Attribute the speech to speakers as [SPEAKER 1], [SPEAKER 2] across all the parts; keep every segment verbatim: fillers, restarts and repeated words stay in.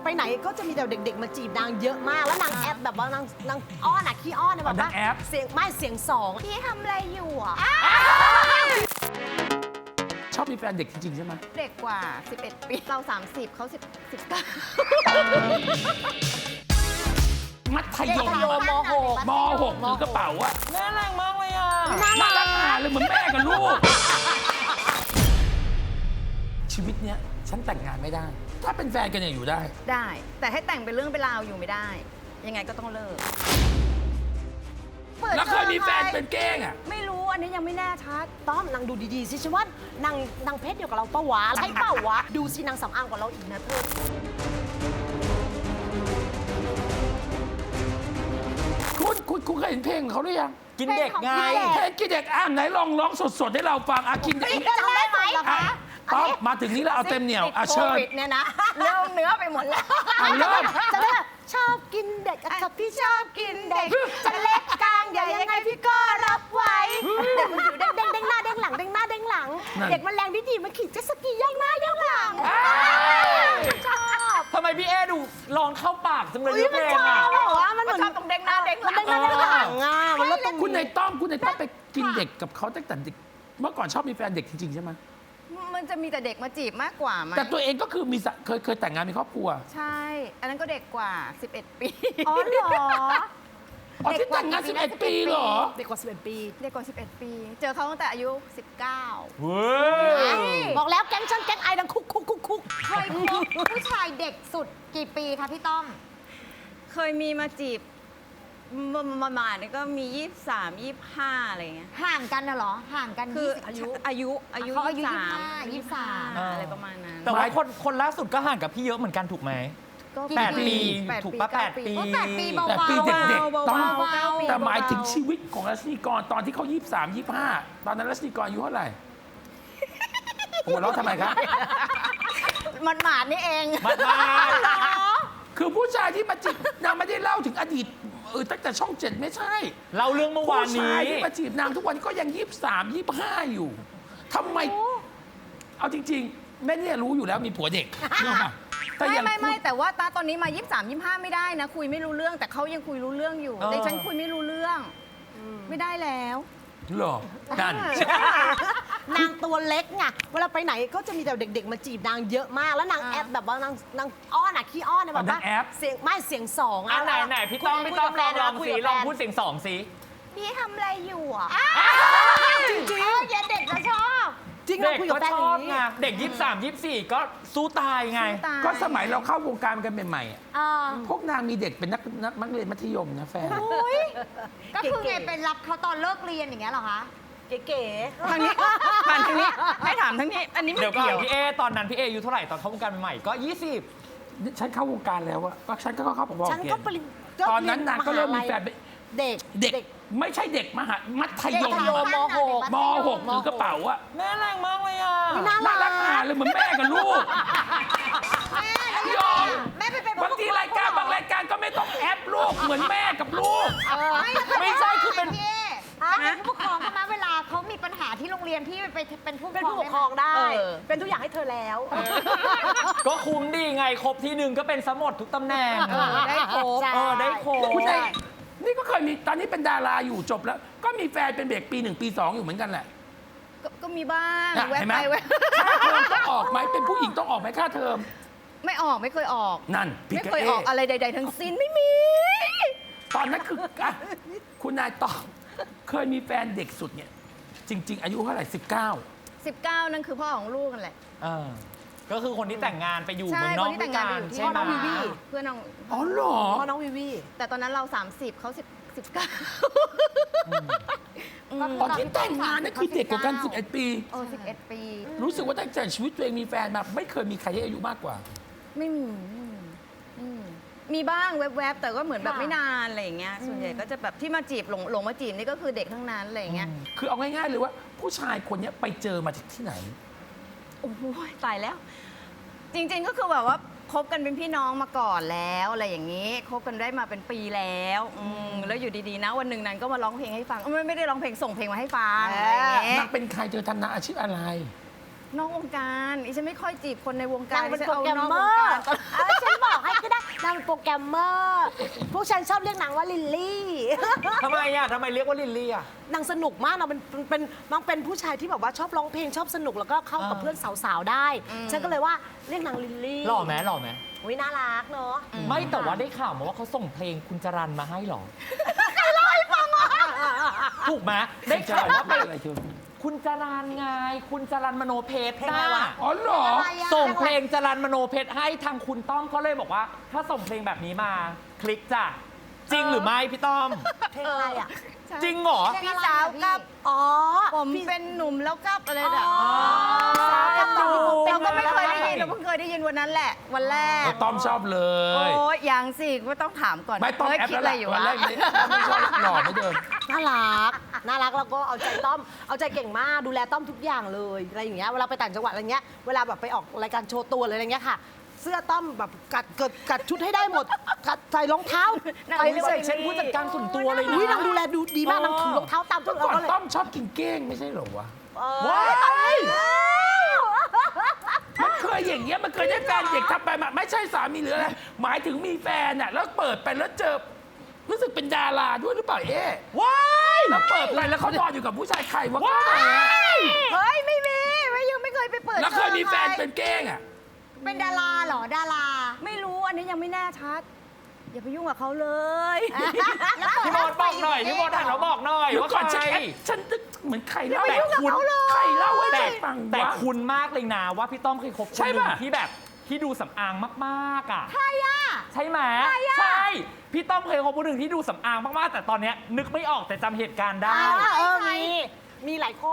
[SPEAKER 1] ไปไหนก็จะมีแต่เด็กๆมาจีบนางเยอะมากแล้วนางแอปแบบว่านางนางอ้อนอะขี้อ้อนเนี่ยแบบว่าเสียงไม่เสียงสองพี่ทำอะไรอยู่อ่ะ
[SPEAKER 2] ชอบมีแฟนเด็กจริงๆใช่ไหม
[SPEAKER 3] เด็กกว่าสิบเอ็ดปีเราสามสิบเขาสิบ สิบเก้า
[SPEAKER 2] มัธยม
[SPEAKER 1] มหก
[SPEAKER 2] มหกถือกระเป๋าอะ
[SPEAKER 4] น่ารักมากเลยอ่ะ
[SPEAKER 2] น่ารักหาเลยเหมือนแม่กับลูกชีวิตเนี้ยฉันแต่งงานไม่ได้ ถ้าเป็นแฟนกันเนี่ยอยู่ได้
[SPEAKER 3] ได้ แต่ให้แต่งเป็นเรื่องเป็นราวอยู่ไม่ได้ ยังไงก็ต้องเลิก
[SPEAKER 2] แล้วเคยมีแฟนเป็นเก้งอะ
[SPEAKER 3] ไม่รู้อันนี้ยังไม่แน่ชัด
[SPEAKER 1] ต้อมนางดูดีๆสิฉันว่านางนางเพศเดียวกับเราปะวะใช่เปล่าวะดูสินางสำอางกว่าเราอีกนะเธอ
[SPEAKER 2] คุณคุณคุณเคยเห็นเพลงของเขาหรือยัง
[SPEAKER 4] กินเด็กไง
[SPEAKER 2] เพลงกินเด็กอ่านไหนลองร้องสดๆให้เราฟังอ่ะกินเด็ก
[SPEAKER 1] จำได้ไหม
[SPEAKER 2] อ่ะป๊อปมาถึงนี้แล้วเอาเต็มเหนียวอ่ะ
[SPEAKER 3] โค
[SPEAKER 2] เชิญ
[SPEAKER 3] วิดเนี่ยนะเริ่มเนื้อไปหมดแล้ว
[SPEAKER 2] อ่ะเริ่ม
[SPEAKER 1] จะได้ชอบกินเด็กกับพี่ชอบกินเด็กจะเล็กกลางใหญ่ยังไงพี่ก็รับไว้เด็กมันอยู่เด้งเด้งเด้งหน้าเด้งหลังเด้งหน้าเด้งหลังเด็กมันแรงดีดีมันขี่เจ็ตสกีย่องหน้าย่องหลังชอบ
[SPEAKER 4] ทำไมพี่เอดูลองเข้าปากจังเลย
[SPEAKER 1] อุ้ย
[SPEAKER 4] เพ
[SPEAKER 1] มัน
[SPEAKER 4] ลง
[SPEAKER 1] ชอ
[SPEAKER 4] อ่ะ
[SPEAKER 1] บบอกว่ามันเหมือน
[SPEAKER 3] ชอบตรงเด้งหน้าเด้งหลัง
[SPEAKER 1] มันเด้งหน้าเด้งหลังอ่ะมันลดตรง
[SPEAKER 2] คุณในต้อมคุณในต้อมไปกินเด็กกับเขาตั้งแต่เด็กเมื่อก่อนชอบมีแฟนเด็กจริงๆใช่ไหม
[SPEAKER 3] มันจะมีแต่เด็กมาจีบมากกว่าไหม
[SPEAKER 2] แต่ตัวเองก็คือมีสะเคยเคยแต่งงานมีครอบครัว
[SPEAKER 3] ใช่ อันนั้นก็เด็กกว่าสิบเอ็ดปี
[SPEAKER 1] อ๋อเหรอ
[SPEAKER 2] อ๋อที่แต่งงานสิบเอ็ดปีเหรอ
[SPEAKER 1] เด็กกว่าสิบเอ็ดปี
[SPEAKER 3] เด็กกว่าสิบเอ็ดปี เจอเขาตั้งแต่อายุสิบเก้า
[SPEAKER 4] เฮ้ย
[SPEAKER 1] บอกแล้วแก๊งฉันแก๊งไอดังคุกคุกคุกคุก
[SPEAKER 5] เคยคบผู้ชายเด็กสุดกี่ปีคะพี่ต้อม
[SPEAKER 3] เคยมีมาจีบประมาณนี้ก็มียี่สิบสาม ยี่สิบห้าอะไรเงี้ย
[SPEAKER 5] ห่างกันน่ะเหรอ ห่างกัน
[SPEAKER 3] คือ
[SPEAKER 5] ยี่สิบ
[SPEAKER 3] อายุอายุ
[SPEAKER 5] เขาอายุ
[SPEAKER 3] ยี่สิบสาม
[SPEAKER 5] ยี่สิบห้า
[SPEAKER 3] ยี่สิบห้าอะไรประมาณนั้น
[SPEAKER 4] แต่ว่าคนคนล่าสุดก็ห่างกับพี่เยอะเหมือนกันถูกไหม
[SPEAKER 3] ก็
[SPEAKER 4] แปด
[SPEAKER 5] ปี
[SPEAKER 4] ปี
[SPEAKER 3] แปด
[SPEAKER 4] ถูก
[SPEAKER 3] ปี
[SPEAKER 4] ปะแปด
[SPEAKER 3] เก้าปี
[SPEAKER 4] ปี
[SPEAKER 5] โอ้แปดปีเบา
[SPEAKER 2] แต่ปีเด็กๆต้อง
[SPEAKER 3] เบาๆ
[SPEAKER 2] แต่หมายถึงชีวิตของรัชนีกรตอนที่เขายี่สิบสาม ยี่สิบห้าตอนนั้นรัชนีกรอายุเท่าไหร่หัวเราะทำไมครับ
[SPEAKER 3] มันหมาดนี่เอง
[SPEAKER 4] มามา
[SPEAKER 2] คือผู้ชายที่มาจีบนางไม่ได้เล่าถึงอดีตเออตั้งแต่ช่องเจ็ดไม่ใช่
[SPEAKER 4] เล่าเรื่องเมื่อวาน
[SPEAKER 2] ผู้
[SPEAKER 4] นี้
[SPEAKER 2] ชายที่มาจีบนางทุกวันก็ยังยี่สิบสาม ยี่สิบห้าอยู่ทำไม เอาจริงๆแม่เนี่ยรู้อยู่แล้วมีผัวเด็กเนอะแต่
[SPEAKER 3] ไม่
[SPEAKER 2] ยัง
[SPEAKER 3] ไม่ไม่
[SPEAKER 2] พูด
[SPEAKER 3] แต่ว่าตาตอนนี้มา ยี่สิบสาม ยี่สิบห้าไม่ได้นะ คุยไม่รู้เรื่อง แต่เขายังคุยรู้เรื่องอยู่
[SPEAKER 4] เออ
[SPEAKER 3] แต่ฉันคุยไม่รู้เรื่อง ไม่ได้แล้ว
[SPEAKER 2] เหรอนั่น
[SPEAKER 1] นางตัวเล็กไงเวลาไปไหนก็จะมีแต่เด็กๆมาจีบนางเยอะมากแล้วนางแอปแบบว่านางนางอ้อนอะขี้อ้อนเนี่ยแบบว่าเสียงไม่เสียงสอง
[SPEAKER 4] อ่ะไหนไหนพี่ต้องพี่ต้องลองลองสิลองพูดเสียงสองสิ
[SPEAKER 5] พี่ทำอะไรอยู่อ่ะ
[SPEAKER 1] จริงจริง
[SPEAKER 5] เออเย็นเด็กจะชอบ
[SPEAKER 1] จริงเรา
[SPEAKER 4] เด็ก
[SPEAKER 1] คุยกั
[SPEAKER 4] ก็
[SPEAKER 1] บแฟน
[SPEAKER 4] ช
[SPEAKER 1] อ
[SPEAKER 4] อบ
[SPEAKER 1] ย่าง
[SPEAKER 4] ไง
[SPEAKER 1] นี้
[SPEAKER 4] เด็กยี่สิบสาม ยี่สิบสี่ก็สู้ตายไง
[SPEAKER 3] ตาย
[SPEAKER 2] ก็สมัยเราเข้าวงการกันใหม่ๆอะ
[SPEAKER 5] อ่า
[SPEAKER 2] พวกนางมีเด็กเป็นนักนักนักเรียนมัธยมนะแฟน
[SPEAKER 5] ก็คือไงเป็นรับเขาตอนเลิกเรียนอย่างเงี้ยเหรอคะ
[SPEAKER 1] เก๋
[SPEAKER 3] ทางนี้ทางนี้ให้ถามทางนี้ อันนี้ไม่
[SPEAKER 4] เดี๋ยวก่อ
[SPEAKER 3] เกี่
[SPEAKER 4] น
[SPEAKER 3] ยว
[SPEAKER 4] พี่เอตอนนั้นพี่เออายุเท่าไหร่ตอนเข้าวงการใหม่ๆก็ยี่สิบ
[SPEAKER 2] ฉันเข้าวงการแล้วอะก็ฉันก็เข้าพอ
[SPEAKER 1] ๆ
[SPEAKER 2] ๆ
[SPEAKER 1] ฉัน
[SPEAKER 2] เก
[SPEAKER 1] ก็
[SPEAKER 2] ณฑ์
[SPEAKER 1] ปริญ
[SPEAKER 2] ตอนนั้นนางก็เริ่มมีแฟนเป็น
[SPEAKER 1] เด็ก
[SPEAKER 2] เด็กไม่ใช่เด็กมหามัธยม
[SPEAKER 1] มัธยมมหก
[SPEAKER 2] มหกถือกระเป๋าอะ
[SPEAKER 4] น่ารักมากเลยอ่ะ
[SPEAKER 1] น่า
[SPEAKER 2] น่า
[SPEAKER 1] รั
[SPEAKER 2] รั
[SPEAKER 1] ก
[SPEAKER 2] กหาเลยเหมือนแม่กับลูกยอม
[SPEAKER 5] แม่ไปเป็น
[SPEAKER 2] บางทีรายการบางรายการก็ไม่ต้องแอปลูกเหมือนแม่กับลูก
[SPEAKER 4] ไม่ใช่คือเป็น
[SPEAKER 5] พี่เอเป็นผู้ปกครองเขามาเวลาเขามีปัญหาที่โรงเรียนพี่ไปเป็นผู้ปก
[SPEAKER 1] เป็น
[SPEAKER 5] ครอง
[SPEAKER 1] ผู้ปกครองได้
[SPEAKER 3] เออ
[SPEAKER 1] เป็นทุกอย่างให้เธอแล้ว
[SPEAKER 4] ก็คุ้มดีไงครบที่หนึ่งก็เป็นสมดทุกตำแหน่ง
[SPEAKER 1] เออ
[SPEAKER 3] ได้ครบ
[SPEAKER 1] ใช่
[SPEAKER 4] เออได้ครบ
[SPEAKER 2] คุณไอ้นี่ก็เคยมีตอนนี้เป็นดาราอยู่จบแล้ว ก็มีแฟนเป็นเด็กปีหนึ่งปีสองอยู่เหมือนกันแหละ
[SPEAKER 3] ก็ก็มีบ้าง
[SPEAKER 2] น่ะ
[SPEAKER 3] แวะ
[SPEAKER 2] เห็นไหม
[SPEAKER 3] ไปแวะ
[SPEAKER 2] ค่าเทอมต้องออกไหมเป็นผู้หญิงต้องออกไหมค่าเทอม
[SPEAKER 3] ไม่ออกไม่เคยออก
[SPEAKER 2] นั่นพี่
[SPEAKER 3] ไม่
[SPEAKER 2] กะ
[SPEAKER 3] เคยออก
[SPEAKER 2] เอ๊ะ
[SPEAKER 3] อะไรใด ๆ ทั้งสิ้นไม่มี
[SPEAKER 2] ตอนนั้นคืออ่ะคุณนายตอบเคยมีแฟนเด็กสุดเนี่ย จริง ๆ อายุเท่าไหร่สิบเก้า
[SPEAKER 3] สิบเก้านั่นคือพ่อของลูกกันแหละ
[SPEAKER 4] เออก็คือคนที่แต่งงานไปอยู่
[SPEAKER 3] ใช่
[SPEAKER 4] เมืองนอก
[SPEAKER 3] คนที่
[SPEAKER 4] ด้วย
[SPEAKER 3] แต่
[SPEAKER 4] กั
[SPEAKER 3] งงาน
[SPEAKER 4] น
[SPEAKER 3] ไปอยู่ที่
[SPEAKER 4] ใช่ไหม
[SPEAKER 1] น้องวิวี
[SPEAKER 3] เพื่อนน้อง
[SPEAKER 2] อ๋อเหรอ
[SPEAKER 1] พ่อน้องวิวี
[SPEAKER 3] แต่ตอนนั้นเรา สามสิบเขาสิบ สิบเก้า
[SPEAKER 2] ตอนที่แต่งงานนั่นคือเด็กกว่ากันสิบเอ็ดปี
[SPEAKER 3] โอ้สิบเอ็ดปี
[SPEAKER 2] รู้สึกว่าตั้งแต่ชีวิตตัวเองมีแฟนมาไม่เคยมีใครที่อายุมากกว่า
[SPEAKER 3] ไม่มีไม่มีไม่มีมีบ้างแวบๆ แต่ก็เหมือนแบบ
[SPEAKER 1] ค่ะ
[SPEAKER 3] ไม่นานอะไรอย่างเงี้ย ส่วนใหญ่ก็จะแบบที่มาจีบหลงหลงมาจีบนี่ก็คือเด็กทั้งนั้นอะไรอย่างเงี้ย
[SPEAKER 2] คือเอาง่ายๆเลยว่า ผู้ชายคนเนี้ยไปเจอมาจากที่ไหน
[SPEAKER 3] โอ้โหตายแล้ว จริงๆก็คือแบบว่าคบกันเป็นพี่น้องมาก่อนแล้วอะไรอย่างนี้คบกันได้มาเป็นปีแล้วอืมแล้วอยู่ดีๆนะวันหนึ่งนั้นก็มาร้องเพลงให้ฟังไม่ไม่ได้ร้องเพลงส่งเพลงมาให้ฟังอะไรอย่างเงี้ย
[SPEAKER 2] นางเป็นใครเธอทำนาอาชีพอะไร
[SPEAKER 3] นอกวงการอีฉันไม่ค่อยจีบคนในวงกาน
[SPEAKER 1] าร งเป็น
[SPEAKER 3] ฉัน
[SPEAKER 1] โปร
[SPEAKER 3] เอา
[SPEAKER 1] แกรม
[SPEAKER 3] นอก
[SPEAKER 1] เม
[SPEAKER 3] ว
[SPEAKER 1] อง
[SPEAKER 3] การ
[SPEAKER 1] ร์เออฉันบอกให้ก็ได้นางเป็นโปรแกรมเมอร์พวกฉันชอบเรียกนางว่าลิลลี่
[SPEAKER 4] ทำไมอ่ะทำไมเรียกว่าลิลลี่อ่ะ
[SPEAKER 1] นางสนุกมากนางเป็นเป็นนางเป็นผู้ชายที่แบบว่าชอบร้องเพลงชอบสนุกแล้วก็เข้ากับ
[SPEAKER 4] อ่า
[SPEAKER 1] เพื่อนสาวๆได้ ฉันก็เลยว่าเรียกนางลิลลี่
[SPEAKER 4] หล่อไหมหล่อไหม
[SPEAKER 1] อุ้ยน่ารักเนาะ
[SPEAKER 4] ไม่แต่ว่าได้ข่าวมาว่าเขาส่งเพลงคุณจรันมาให้หรอ ถูกไหมได้ข่าวว่าเป็น
[SPEAKER 2] อะไรเธอ
[SPEAKER 4] คุณจรันไง คุณจรันมโนเพชร
[SPEAKER 1] เพลงอะไรวะ
[SPEAKER 2] อ๋อเหรอ
[SPEAKER 4] ส่งเพลงจรันมโนเพชรให้ทางคุณต้อมเขาเลยบอกว่า ถ้าส่งเพลงแบบนี้มาคลิกจ้ะจริงหรือไม่พี่ต้อม
[SPEAKER 1] เพลงอะไรอ่ะ
[SPEAKER 4] จริงเหรอ
[SPEAKER 3] พี่สาวกับ
[SPEAKER 1] อ๋อ
[SPEAKER 3] ผมเป็นหนุ่มแล้วกับอะไรน่ะ
[SPEAKER 1] อ๋อ
[SPEAKER 4] ดู
[SPEAKER 3] เราก็ไม่เคยได้ยินเราเพิ่งเคยได้ยินวันนั้นแหละ วันแรก
[SPEAKER 2] ต้อมชอบเลย
[SPEAKER 3] โอ้ยยังสิก็ต้องถามก่อน
[SPEAKER 2] ไม่ต้อม
[SPEAKER 3] เฮ้ย
[SPEAKER 2] แอป
[SPEAKER 3] คิด
[SPEAKER 2] แล้ว
[SPEAKER 3] อะไรอยู่
[SPEAKER 2] ล่ะวัน
[SPEAKER 3] วะ
[SPEAKER 2] แรกนี้ต้อมไม่ชอบหล่อไม่เดิม
[SPEAKER 1] น่ารัก น่ารักแล้วก็เอาใจต้อม เอาใจเก่งมาก ดูแลต้อมทุกอย่างเลย อะไรอย่างเงี้ย เวลาไปต่างจังหวัดอะไรเงี้ย เวลาแบบไปออกรายการโชว์ตัวหรืออะไรเงี้ยค่ะ เสื้อต้อมแบบกัดเกิดกัดชุดให้ได้หมด กัดใส่รองเท้า
[SPEAKER 3] นั่ง
[SPEAKER 1] ใส่
[SPEAKER 3] ไม่
[SPEAKER 1] ใส่
[SPEAKER 3] ใส่
[SPEAKER 4] เช่นผู้จัดการส่วนตัวเลยนะ
[SPEAKER 1] อุ้ยนางดูแลดูดีมาก
[SPEAKER 4] เออ
[SPEAKER 1] นางถือรองเท้าตามทุก
[SPEAKER 2] ก่
[SPEAKER 1] เรา
[SPEAKER 2] อน
[SPEAKER 1] ก็เลย
[SPEAKER 2] ต้อมชอบกินเก้งไม่ใช่เหรอวะ
[SPEAKER 1] เออ
[SPEAKER 4] ว้าย
[SPEAKER 2] มันเคยอย่างเงี้ยมันเคยได้แฟนเด็กทำไปมาไม่ใช่สามีหรืออะไรหมายถึงมีแฟนอ่ะแล้วเปิดไปแล้วเจอรู้สึกเป็นดาราด้วยหรือเปล่าเอ๊ะ
[SPEAKER 4] ว้าย
[SPEAKER 2] แล้วเปิดไปแล้วเขานอนอยู่กับผู้ชายใครวะ
[SPEAKER 4] ว้าย
[SPEAKER 3] เฮ้ยไม่มีไม่ยังไม่เคยไปเปิด
[SPEAKER 2] แล้วเคยมีแฟน
[SPEAKER 3] จอใคร
[SPEAKER 2] เป็นเก้งอ่ะ
[SPEAKER 5] เป็นดาราเหรอดารา
[SPEAKER 3] ไม่รู้อันนี้ยังไม่แน่ชัด อย่าไปยุ่งกับเขาเลย
[SPEAKER 4] พี่บอลบอกหน่อยพี่บอลหันมาบอกหน่อย
[SPEAKER 2] เดี๋ยว
[SPEAKER 4] ว่า
[SPEAKER 2] ก่อน
[SPEAKER 4] ใค
[SPEAKER 2] ฉัน
[SPEAKER 4] ร
[SPEAKER 2] แอบฉันนึกเหมือนใครเล่า
[SPEAKER 4] แต่คุณ
[SPEAKER 2] ใครเล่าให้
[SPEAKER 4] แต่
[SPEAKER 2] ฉันฟัง
[SPEAKER 4] แต่
[SPEAKER 2] วะ
[SPEAKER 4] คุณมากเลยนะว่าพี่ต้อมเคยคบคน
[SPEAKER 2] ใช่
[SPEAKER 4] หนึ่ง
[SPEAKER 2] ปะ
[SPEAKER 4] ที่แบบที่ดูสำอางมากๆอ่ะใช่อ่ะใช่ไหมใช่พี่ต้อมเคยคบคนหนึ่งที่ดูสำอางมากๆ แต่ตอนเนี้ยนึกไม่ออกแต่จำเหตุการณ์ได้
[SPEAKER 1] อ่าเออ มี มีหลายคน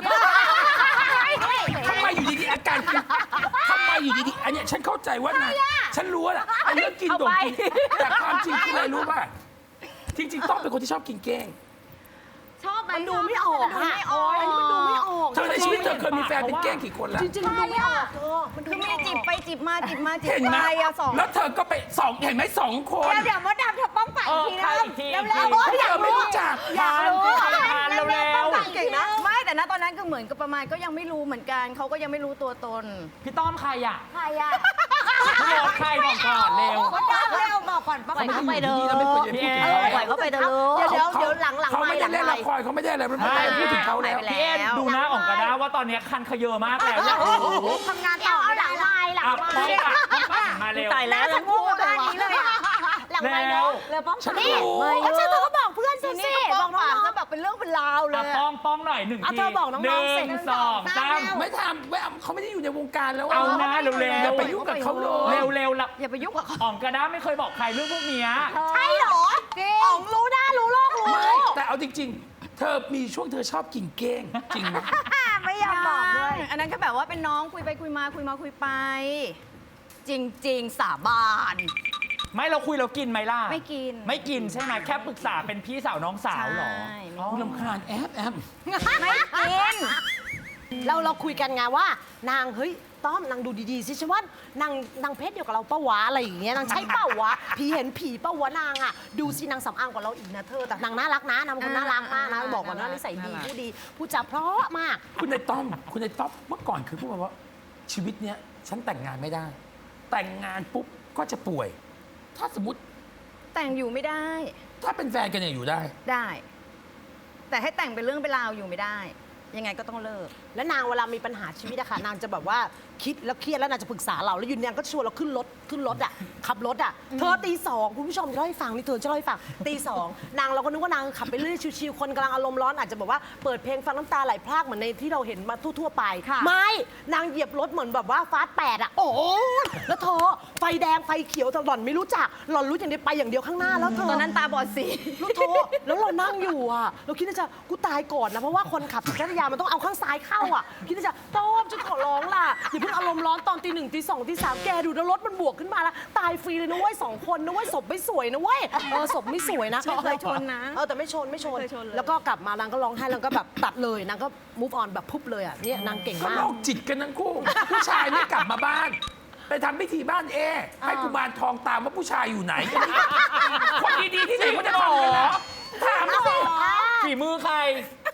[SPEAKER 2] ทำไมอยู่ดีๆอาการกินทำไมอยู่ดีๆอันเนี้ยฉันเข้าใจว่านายฉันรู้แหละไอ้เรื่องกิน
[SPEAKER 4] เอา
[SPEAKER 2] โด่ง
[SPEAKER 4] ไป
[SPEAKER 2] กินแต่ความจริงคืออะไรรู้ป่ะจริง ๆ ต้องเป็นคนที่ชอบกินเก้ง
[SPEAKER 5] ชอบไหม
[SPEAKER 1] มันดูไม่ออก
[SPEAKER 5] ดู
[SPEAKER 1] อะ
[SPEAKER 5] ไม่ออก
[SPEAKER 1] อันนี้มันดูไม่ออก
[SPEAKER 2] เธอในชีวิตเธอเคยมีแฟนเป็นเก้งกี่คนแล้ว
[SPEAKER 1] จริงๆ มันดูไม่ออกเธอมันดู
[SPEAKER 3] คือ
[SPEAKER 1] ไม่
[SPEAKER 3] มี
[SPEAKER 1] ออก
[SPEAKER 3] จิบไปจิบมาจิบมาจิบ
[SPEAKER 2] เห็นไหม
[SPEAKER 3] ไปอะสอง
[SPEAKER 2] แล้วเธอก็ไปสองเห็นไหมสองคน
[SPEAKER 5] เดี๋ยวเดี๋ยวมดดำเธอป้องไป
[SPEAKER 4] เอ
[SPEAKER 5] อีก
[SPEAKER 4] อ
[SPEAKER 5] ที
[SPEAKER 4] ใคร
[SPEAKER 5] นะ
[SPEAKER 4] อีกที
[SPEAKER 5] เร็ว
[SPEAKER 4] อีกที
[SPEAKER 5] ๆโอ้ย
[SPEAKER 2] เธ
[SPEAKER 5] อยาก
[SPEAKER 2] อไม่
[SPEAKER 5] รู้
[SPEAKER 2] รู้จัก
[SPEAKER 4] ทานทานเร็ว
[SPEAKER 3] เก่งนะ ไม่แต่ณตอนนั้นก็เหมือนกับประมาณก็ยังไม่รู้เหมือนกันเขาก็ยังไม่รู้ตัวตน
[SPEAKER 4] ๆพี่ต้อมใครอ่ะ
[SPEAKER 5] ใครอ่ะ
[SPEAKER 4] พี่บอลใครบอกก่อนเร็ว
[SPEAKER 5] มดดำเร็วบอกก่อนป้อง
[SPEAKER 1] ปล่อย
[SPEAKER 5] ไป
[SPEAKER 1] เขาไปเถอะ
[SPEAKER 2] เราไม่ควรจะพูดถึงเขา
[SPEAKER 1] ปล่อยเขาไปเถอะเดี๋ยวเดี๋ยวเดี๋ยวหลังหลัง
[SPEAKER 2] เขาไม่ได้เล่น
[SPEAKER 1] ห
[SPEAKER 2] ละครเขาไม่ได้อะไรไม่
[SPEAKER 4] ใช่
[SPEAKER 2] ได้พูดถึงเขาแล้ว
[SPEAKER 3] ไป
[SPEAKER 4] พี่เอ็นดูหน้าอ่องกระด้าว่าตอนเนี้ยคันเขยอมากแล้วอยากรู้
[SPEAKER 5] ทำงานต่อ
[SPEAKER 1] เอาหลังไม้หลัง
[SPEAKER 4] อ่ะ
[SPEAKER 1] ไม้
[SPEAKER 4] ป้องอ่ะป้องมาเร็ว
[SPEAKER 1] ตายแล้ว
[SPEAKER 5] ฉันพูดด้านนี้เลยอ่ะ
[SPEAKER 1] หลังไม้
[SPEAKER 4] แล้
[SPEAKER 1] เนาะ
[SPEAKER 4] ว
[SPEAKER 5] เร็วป้อง
[SPEAKER 2] ฉัน
[SPEAKER 1] นี่
[SPEAKER 2] รู้
[SPEAKER 1] ก็ฉันเธอก็บอกเพื่อนสิ
[SPEAKER 3] ทีนี้
[SPEAKER 1] สิ
[SPEAKER 3] ก็
[SPEAKER 1] บ
[SPEAKER 3] ป้
[SPEAKER 1] อ
[SPEAKER 3] อก ง
[SPEAKER 1] น้
[SPEAKER 3] ปาก
[SPEAKER 1] อง
[SPEAKER 3] ก็แบบเป็นเรื่องเป็นราวเล
[SPEAKER 4] อ่ะ
[SPEAKER 3] ย
[SPEAKER 4] ป้องป้องหน่อยหนึ่ง
[SPEAKER 1] อ่ะ
[SPEAKER 4] ที
[SPEAKER 1] เธอบอกน้องๆ
[SPEAKER 4] หนึ่
[SPEAKER 1] สิ
[SPEAKER 4] งสองสาม
[SPEAKER 2] ไม่ทำไม่เอาเขาไม่ได้อยู่ในวงการแล้ว
[SPEAKER 4] เอานะเร็วๆ
[SPEAKER 2] อย่าไปยุ่งกับเขาเลย
[SPEAKER 4] เร็วเร็วๆละ
[SPEAKER 3] อย่าไปยุ่งกับเขา
[SPEAKER 4] อ่องกระด้าไม่เคยบอกใครเรื่องพวกเนี้ย
[SPEAKER 1] ใช่เหรออ๋องรู้หน้ารู้โลกรู้
[SPEAKER 2] ไม่แต่เอาจริง ๆ เธอมีช่วงเธอชอบกินเก้งจริงไหม
[SPEAKER 5] ไม่ยอมบอกเลย
[SPEAKER 3] อันนั้นก็แบบว่าเป็นน้องคุยไปคุยมาคุยมาคุยไป จริง ๆ สาบาน
[SPEAKER 4] ไม่เราคุยเรากินไหมล่ะ
[SPEAKER 3] ไม่กิน
[SPEAKER 4] ไม่กินใช่ไหมแค่ปรึกษาเป็นพี่สาวน้องสาวเหรอ
[SPEAKER 3] ใช่
[SPEAKER 4] อ๋อ
[SPEAKER 2] คุณลำคาญแอบแอบ
[SPEAKER 3] ไม่กิน
[SPEAKER 1] เราเราคุยกันไงว่านางเฮ้ยต้อมนางดูดีๆสิฉันว่านางนางเพศเดียวกับเราปะวะอะไรอย่างเงี้ยนางใช่เปล่าวะผีเห็นผีปะวะนางอ่ะดูสินางสำอางกว่าเราอีกนะเธอแต่นางน่ารักนะนางเป็นคนน่ารักมากนะ
[SPEAKER 3] อ่า
[SPEAKER 1] บอกก่อนว่า
[SPEAKER 3] น่ารัก
[SPEAKER 1] นิสัยดี
[SPEAKER 3] น่ารัก
[SPEAKER 1] ผู้ดีผู้จาเพราะมาก
[SPEAKER 2] คุณในต้อมคุณในต้อมเมื่อก่อนคือพูดมาว่า ชีวิตเนี้ยฉันแต่งงานไม่ได้ แต่งงานปุ๊บก็จะป่วย ถ้าสมมติ
[SPEAKER 3] แต่งอยู่ไม่ได้
[SPEAKER 2] ถ้าเป็นแฟนกันเนี่ยอยู่ได้
[SPEAKER 3] ได้ แต่ให้แต่งเป็นเรื่องเป็นราวอยู่ไม่ได้ ยังไงก็ต้องเลิก
[SPEAKER 1] และนางเวลามีปัญหาชีวิตอะค่ะนางจะแบบว่าคิดแล้วเครียดแล้วนางจะปรึกษาเราแล้วอยืนนางก็ชวนเราขึ้นรถขึ้นรถอะขับรถอะเธอตีสองคุณผู้ชมจะเล่าให้ฟังนี่เธอจะเล่าให้ฟังตีสองนางเราก็นึกว่านางขับไปเรื่อยชิวๆคนกำลังอารมณ์ร้อนอาจจะแบบว่าเปิดเพลงฟังน้ำตาไหลพรากเหมือนในที่เราเห็นมาทั่วๆไป
[SPEAKER 3] ค่ะ
[SPEAKER 1] ไม่นางเหยียบรถเหมือนแบบว่าฟาสต์แปดอะโอ้ยแล้วเธอไฟแดงไฟเขียวแต่หล่อนไม่รู้จักหล่อนรู้อย่างเดียวไปอย่างเดียวข้างหน้าแล้วเธอ
[SPEAKER 3] ตอนนั้นตาบอดสี
[SPEAKER 1] ลูกโทแล้วเรานั่งอยู่อ่ะ เราคิดว่าจะกูตายก่อนนะ เพราะว่าคนขับจักรยานมันต้องเอาข้างซ้ายเข้าอ่ะ คิดว่าจะต้อมฉันขอร้องล่ะ อย่าเพิ่งอารมณ์ร้อนตอนตีหนึ่งตีสองตีสามแกดูนะรถมันบวกขึ้นมาแล้ว ตายฟรีเลยนะเว้ยสองคนนะเว้ยศพไม่สวยนะเว้ย เออศพไม่สวยนะ
[SPEAKER 3] ไม่เคยชนนะ
[SPEAKER 1] เออแต่ไม่ชนไม่ชน
[SPEAKER 3] ไม่เคยชนเลย
[SPEAKER 1] แล้วก็กลับมานางก็ร้องไห้แล้วก็แบบตัดเลยนางก็ move on แบบพุบเลยอ่ะเนี่ยนางเก่ง
[SPEAKER 2] ก็
[SPEAKER 1] มา
[SPEAKER 2] โร
[SPEAKER 1] ก
[SPEAKER 2] คจิตกันทั้งคู่ ผู้ชายไม่กลับมาบ้าน ไปทำพิธีบ้านเอ ให้กุมารทองตามว่าผู้ชายอยู่ไหน คนดีๆที่ไหนเขาจะทำกันนะถามสิ
[SPEAKER 4] ฝีมือใคร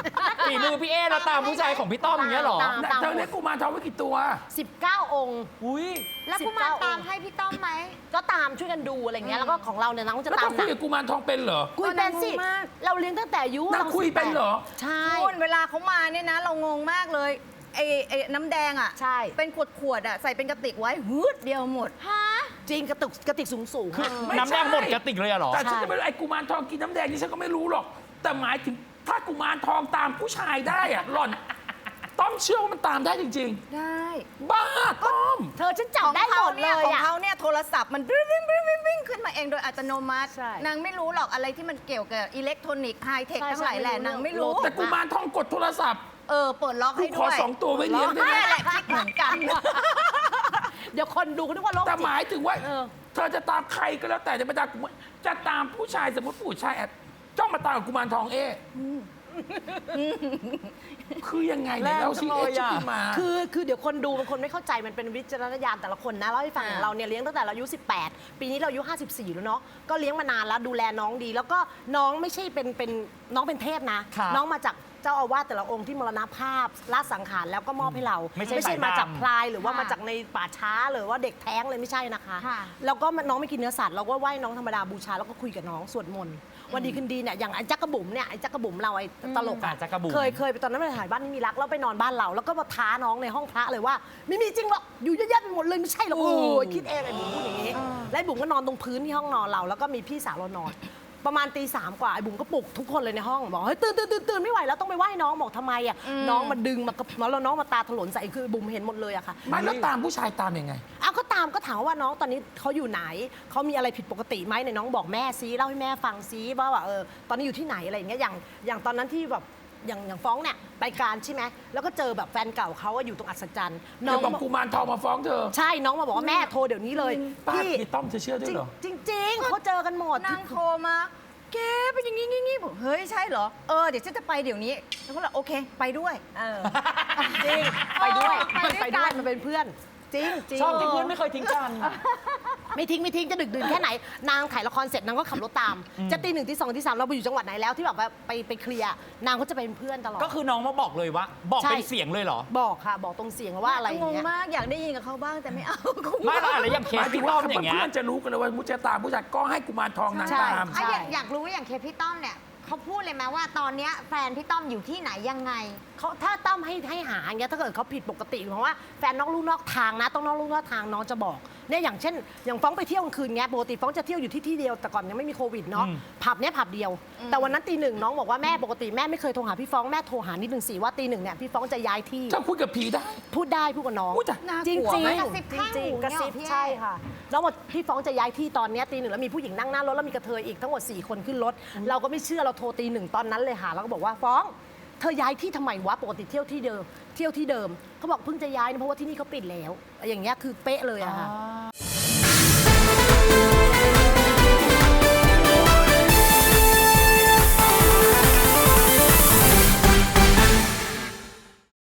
[SPEAKER 4] ฝีมือพี่เอแล้วตามผู้ชายของพี่ต้อมอย่างเงี้ยเหรอ
[SPEAKER 1] ตาม
[SPEAKER 2] น่ะ
[SPEAKER 1] ตาม
[SPEAKER 2] เธอเลี้ยงกุมารทองไว้กี่ตัว
[SPEAKER 1] สิบเก้าองค์
[SPEAKER 4] อุ้ย
[SPEAKER 5] แล้วกุมารตามให้พี่ต้อมไหม
[SPEAKER 1] ก็ตามช่วยกันดูอะไรเงี้ยแล้วก็ของเราเนี่ยน้องจะ
[SPEAKER 2] แล้ว
[SPEAKER 1] ตา
[SPEAKER 2] เธ
[SPEAKER 1] ม
[SPEAKER 2] อ
[SPEAKER 1] ห
[SPEAKER 2] คุ
[SPEAKER 1] นั
[SPEAKER 2] ย
[SPEAKER 1] ก
[SPEAKER 2] กับกุมารทองเป็นเหรอ
[SPEAKER 1] คุยเป็นสิ
[SPEAKER 3] นางงงมาก
[SPEAKER 1] เราเลี้ยงตั้งแต่อายุ
[SPEAKER 2] นางคุยเป็นเหรอ
[SPEAKER 1] ใช่
[SPEAKER 3] คุณเวลาเขามาเนี่ยนะ เรางงมากเลยไอ้ไอ้น้ำแดงอ่ะ
[SPEAKER 1] ใช่
[SPEAKER 3] เป็นขวดขวดๆอ่ะใส่เป็นกระติกไว้ฮืดเดียวหมด
[SPEAKER 5] ฮะ
[SPEAKER 1] จริงกระตุกกระติกสูงสูงๆ
[SPEAKER 4] คือ
[SPEAKER 1] อะ
[SPEAKER 2] ไม่
[SPEAKER 4] น้ำแดง
[SPEAKER 2] ใช่
[SPEAKER 4] หมดกระติกเลยอะเหรอ
[SPEAKER 2] แต่ฉัน
[SPEAKER 1] ใช่
[SPEAKER 2] จะไม่รู้ไอ้กุมารทองกินน้ำแดงนี่ฉันก็ไม่รู้หรอก แต่หมายถึงถ้ากุมารทองตามผู้ชายได้อะหล่อน ต้องเชื่อว่ามันตามได้จริง
[SPEAKER 3] ได้
[SPEAKER 2] ๆ บ้าต้อม
[SPEAKER 1] เธอฉันจับ
[SPEAKER 3] ของ
[SPEAKER 1] ได้ห
[SPEAKER 3] เขา
[SPEAKER 1] มดเล
[SPEAKER 3] เนี่ย
[SPEAKER 1] ย
[SPEAKER 3] ของ
[SPEAKER 1] อะ
[SPEAKER 3] เขาเนี่ยโทรศัพท์มันวิ่งวิ่งวิ่งวิ่งวิ่งขึ้นมาเองโดยอัตโนมัติ
[SPEAKER 1] ใช่
[SPEAKER 3] นางไม่รู้หรอกอะไรที่มันเกี่ยวกับอิเล็กทรอนิกส์ไฮเทค
[SPEAKER 1] ใช่
[SPEAKER 3] ทั้งหลายแหล่
[SPEAKER 1] ใช่
[SPEAKER 3] นาง
[SPEAKER 1] ไม่
[SPEAKER 3] ไม่
[SPEAKER 1] รู้
[SPEAKER 3] รู้
[SPEAKER 2] แต่กุมารทองกดโทรศัพท์
[SPEAKER 3] เออเปิดล็อก
[SPEAKER 2] กู
[SPEAKER 3] ให้
[SPEAKER 2] ขอ
[SPEAKER 3] ด้วย
[SPEAKER 2] สองตัวไว้เลี้ยงได้ไหม
[SPEAKER 3] นี่แหละคิดเหมือนกัน
[SPEAKER 1] เดี๋ยวคนดูก็นึกว่าโรค
[SPEAKER 2] แต่
[SPEAKER 1] จิต
[SPEAKER 2] หมายถึงว่า
[SPEAKER 1] เออ
[SPEAKER 2] เธอจะตามใครก็แล้วแต่จะไปตามกุมารจะตามผู้ชายสมมติผู้ชายแอบจ้องมาตามกับกุมารทองเอ๊ะคือยังไงเนี่ยเราสิ
[SPEAKER 4] แรงจังเลย
[SPEAKER 2] เอ๊ะจะ
[SPEAKER 4] อะ
[SPEAKER 2] ขึ้นมา
[SPEAKER 1] คือคือเดี๋ยวคนดูบางคนไม่เข้าใจมันเป็นวิจารณญาณแต่ละคนนะเล่าให้ฟัง
[SPEAKER 3] อ่า
[SPEAKER 1] ของเราเนี่ยเลี้ยงตั้งแต่เราอายุสิบแปดปีนี้เราอายุห้าสิบสี่แล้วเนาะก็เลี้ยงมานานแล้วดูแลน้องดี แล้วก็น้องไม่ใช่เป็นเป็นน้องเป็นเทพนะ
[SPEAKER 4] ครับ
[SPEAKER 1] น้องมาจากเจ้าอาวาสแต่ละองค์ที่มรณภาพละสังขารแล้วก็มอบให้เรา
[SPEAKER 4] ไม่ใช่
[SPEAKER 1] ไม่ใช่
[SPEAKER 4] สายดำ
[SPEAKER 1] มาจากพลายหรือว่า
[SPEAKER 5] ค่ะ
[SPEAKER 1] มาจากในป่าช้าหรือว่าเด็กแท้งเลยไม่ใช่นะคะ
[SPEAKER 5] ค่ะ
[SPEAKER 1] แล้วก็น้องไม่กินเนื้อสัตว์เราก็ไหว้น้องธรรมดาบูชาแล้วก็คุยกับน้องสวดมนต์วันดีคืนดีเนี่ยอย่างไอ้จักกระบุ๋มเนี่ยไอ้จักกระบุ๋มเราไอ้ตลก
[SPEAKER 4] อ่า
[SPEAKER 1] อะ
[SPEAKER 4] จักรบุ๋ม
[SPEAKER 1] เคยเคยไปตอนนั้นไปถ่ายบ้านนี่มีรักแล้วไปนอนบ้านเรา แล้วก็มาท้าน้องในห้องพระเลยว่าไม่มีจริงหรอกอยู่เยอะแยะไปหมดเลยไม่ใช่หรอกโอ้ยคิดเองไอ้บุ๋มพูดอย่างนี้แล้วไอ้บุ๋มก็นอนตรงพื้นที่ห้องนอนเรา แล้วก็มีพี่สาวเรานอน ประมาณตีสามกว่าไอ้บุ๋มก็ปลุกทุกคนเลยในห้องบอกเฮ้ยตื่นตื่นตื่นตื่นไม่ไหวแล้วต้องไปไหว้น้องบอกทำไมอ่ะน้องมาดึงมากระแล้วน้องมาตาถลนใส่คือบุ๋มเห็นหมดเลยอะค่ะ
[SPEAKER 2] ไม่แล้วตามผู้ชายตามยังไง
[SPEAKER 1] อ้าวก็ตามก็ถามว่าน้องตอนนี้เขาอยู่ไหนเขามีอะไรผิดปกติไหมในน้องบอกแม่ซิเล่าให้แม่ฟังซิว่าว่าเออตอนนี้อยู่ที่ไหนอะไรอย่างเงี้ยอย่างอย่างตอนนั้นที่แบบอย่างอย่างฟ้องเนี่ยไปการใช่ไหมแล้วก็เจอแบบแฟนเก่าเขาอะอยู่ตรงอัศจรรย์น้
[SPEAKER 2] น้
[SPEAKER 1] อ
[SPEAKER 2] อง งบอกกุมารทองมาฟ้องเธอ
[SPEAKER 1] ใช่น้องมาบอกว่าแม่โทรเดี๋ยวนี้เลย
[SPEAKER 2] ป้า
[SPEAKER 1] พี่
[SPEAKER 2] พี่ต้อมเธอเชื่อด้วยเหรอ
[SPEAKER 1] จริงจริงๆเขาเจอกันหมด
[SPEAKER 3] นางโทรมาแกเป็นอย่างงี้งี้งี้บอกเฮ้ยใช่เหรอเออเดี๋ยวฉันจะไปเดี๋ยวนี้แล้วก็เลยโอเคไปด้วยเออ
[SPEAKER 1] จริงไปด้วย
[SPEAKER 5] ไปด้วยกัน
[SPEAKER 1] มันเป็นเพื่อน จริงจริง
[SPEAKER 4] ชอบที่เพื่อนไม่เคยทิ้งกัน
[SPEAKER 1] ไม่ทิ้งไม่ทิ้งจะดึกดื่นแค่ไหน นางถ่ายละครเสร็จนางก็ขับรถตาม จะตีหนึ่งตีสองตีสามเราไปอยู่จังหวัดไหนแล้วที่แบบว่าไปไปเคลียร์นางก็จะเป็นเพื่อนตลอด
[SPEAKER 4] ก็คือน้องมาบอกเลยว่า บอก
[SPEAKER 1] ใช่
[SPEAKER 4] เป็นเสียงเลยเหรอ
[SPEAKER 1] บอกค่ะ บอกตรงเสียงว่าอะไรอย่าง
[SPEAKER 3] งง
[SPEAKER 1] เงี้ย
[SPEAKER 3] มากอยากได้ยินกับเขาบ้างแต่ไม่เอา
[SPEAKER 4] ไม่ละอะไรอย่างเค
[SPEAKER 2] ห
[SPEAKER 4] ส
[SPEAKER 2] มายถึ
[SPEAKER 4] พี่
[SPEAKER 2] ง
[SPEAKER 4] ต้
[SPEAKER 2] ว่า
[SPEAKER 4] อมอย่างเงี้ย
[SPEAKER 2] เพื่อนๆจะรู้กันเลยว่ามุจจะตามผู้ชายก็ให้กุมารทองนาง
[SPEAKER 1] ใช่
[SPEAKER 2] ตาม
[SPEAKER 5] อ่ะอยากอยากรู้ว่าอย่างเคพี่ต้อมเนี่ยเขาพูดเลยไหมว่าตอนเนี้ยแฟนพี่ต้อมอยู่ที่ไหนยังไง
[SPEAKER 1] เขาถ้าต้อมให้ให้หาอย่างเงี้ยถ้าเกิดเขาผิดปกติเพราะว่าแฟนนอกลู่นอกทางนะต้องนอกลู่นอกทางน้องจะบอกเนี่ยอย่างเช่น อย่างฟ้องไปเที่ยวกลางคืนเงี้ยปกติฟ้องจะเที่ยวอยู่ที่ที่เดียวแต่ก่อนยังไม่มีโควิดเนาะ
[SPEAKER 4] อืม
[SPEAKER 1] ผับเนี้ยผับเดียว แต่วันนั้นตีหนึ่งน้องบอกว่าแม่ปกติแม่ไม่เคยโทรหาพี่ฟ้องแม่โทรหานิดหนึ่งสิว่าตีหนึ่งเนี่ยพี่ฟ้องจะย้ายที่
[SPEAKER 2] เจ้าคุยกับผีได้
[SPEAKER 1] พูดได้พูดกับน้อง
[SPEAKER 2] อุ๊ยแต่
[SPEAKER 3] น่าก
[SPEAKER 1] จริง
[SPEAKER 3] ลัว
[SPEAKER 1] จริง
[SPEAKER 3] ไหม
[SPEAKER 5] กระซิบข้าง
[SPEAKER 1] จริง
[SPEAKER 5] หู
[SPEAKER 1] ๆกระซิบ
[SPEAKER 5] เนี่ยเหรอพี่
[SPEAKER 1] ใช่ค่ะน้องบอกพี่ฟ้องจะย้ายที่ตอนเนี้ยตีหนึ่งแล้วมีผู้หญิงนั่งหน้ารถแล้วมีกระเทยอีกทั้งหมดสี่คนขึ้นรถเราก็ไม่เชื่อเราโทรตีหนึ่งตอนนั้นเลยค่ะแล้วก็บอกว่าฟ้องเธอย้ายที่ทำไมวะปกติเที่ยวที่เดิมเที่ยวที่เดิมเขาบอกเพิ่งจะย้ายนะเพราะว่าที่นี่เขาปิดแล้วอย่างเงี้ยคือเป๊ะเลยอะค่ะ
[SPEAKER 4] อ่า